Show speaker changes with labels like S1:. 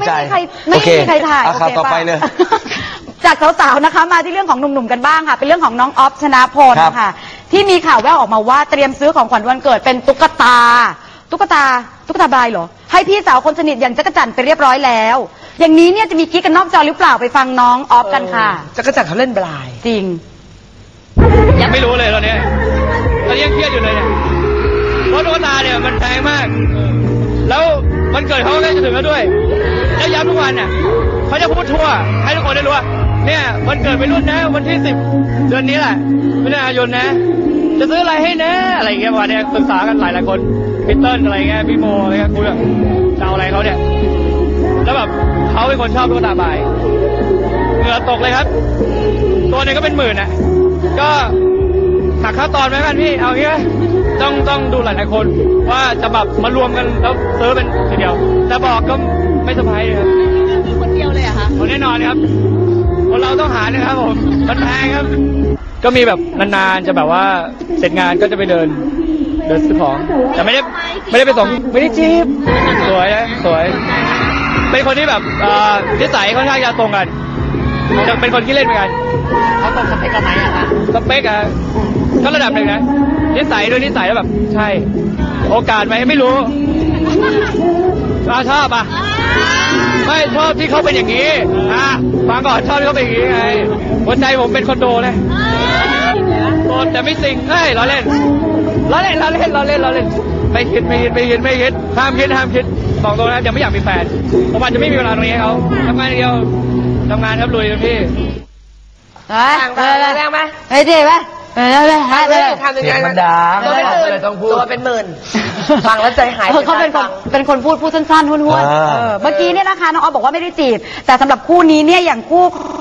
S1: ใจ
S2: ไม่มีใครถ่าย
S1: ข่าวต่อไปเลย
S2: จากสาวๆนะคะมาที่เรื่องของหนุ่มๆกันบ้างค่ะเป็นเรื่องของน้องออฟชนะพลค่ะที่มีข่าวแว่วออกมาว่าเตรียมซื้อของขวัญวันเกิดเป็นตุ๊กตาบายเหรอให้พี่สาวคนสนิทอย่างจักรจั่นไปเรียบร้อยแล้วอย่างนี้เนี่ยจะมีกิ๊กกันนอกจอหรือเปล่าไปฟังน้องออฟกันค่ะ
S3: จักรจั่นเขาเล่นบลาย
S2: จริง
S4: ยังไม่รู้เลยตอนนี้ยังเครียดอยู่เลยเนี่ยเพราะตุ๊กตาเนี่ยมันแพงมากแล้ววันเกิดเขาใกล้จะถึงแล้วด้วยแล้วย้ำทุกวันเนี่ยเขาจะพูดทั่วให้ทุกคนได้รู้ว่าเนี่ยวันเกิดไปรุ่นนะวันที่10เดือนนี้แหละมิถุนายนนะจะซื้ออะไรให้นะอะไรอย่างเงี้ยวันนี้ปรึกษากันหลายคนพีเติ้ลอะไรเงี้ยพี่โมอะไรเงี้ยคุยแบบจะเอาอะไรเขาเนี่ยแล้วแบบเขาเป็นคนชอบตุ๊กตาบายเหงื่อตกเลยครับตัวนึงก็เป็น10,000นะก็หักค่าตอนไหมกันพี่เอางี้ต้องดูหลายคนว่าจะแบบมารวมกันแล้วซื้อเป็นทีเดียวแต่บอกก็ไม่สบายครับมีคนเดียวเลยอะคะแน่นอนครับคนเราต้องหานะครับผมมันแพงครับก็มีแบบนานๆจะแบบว่าเสร็จงานก็จะไปเดินซื้อของแต่ไม่ได้ไปส่งไม่ได้จีบสวยนะสวยเป็นคนที่แบบนิสัยค่อนข้างจะตรงกันจะเป็นคนที่เล่นเหมือนกันเขาตรงสเปคกันไหมอะคะสเปคอะก็ระดับหนึ่งนะนิสัยด้วยนิสัยแล้วแบบใช่โอกาสไหมไม่รู้ชอบอ่ะไม่ชอบที่เขาเป็นอย่างนี้ฟังก่อนชอบที่เขาเป็นอย่างนี้ไงหัวใจผมเป็นคอนโดเลยโสดแต่ไม่สิงล้อเล่นไม่คิดห้ามคิดบอกตรงนะยังไม่อยากมีแฟนผมอาจจะไม่มีเวลาตรงนี้ให้เขาทำงานเดียวทำงานครับลุยนะพี่
S3: แรงไหม
S2: ไอ้เจ๊ไหม
S3: ทำยังไง
S1: มันดา
S3: เลยต้องพูดตัวเป็น10,000ฟังแล้วใจหาย
S2: เขาเป็นคนพูดสั้นๆห้วนๆเมื่อกี้เนี่ยนะคะน้องออฟบอกว่าไม่ได้จีบแต่สำหรับคู่นี้เนี่ยอย่างคู่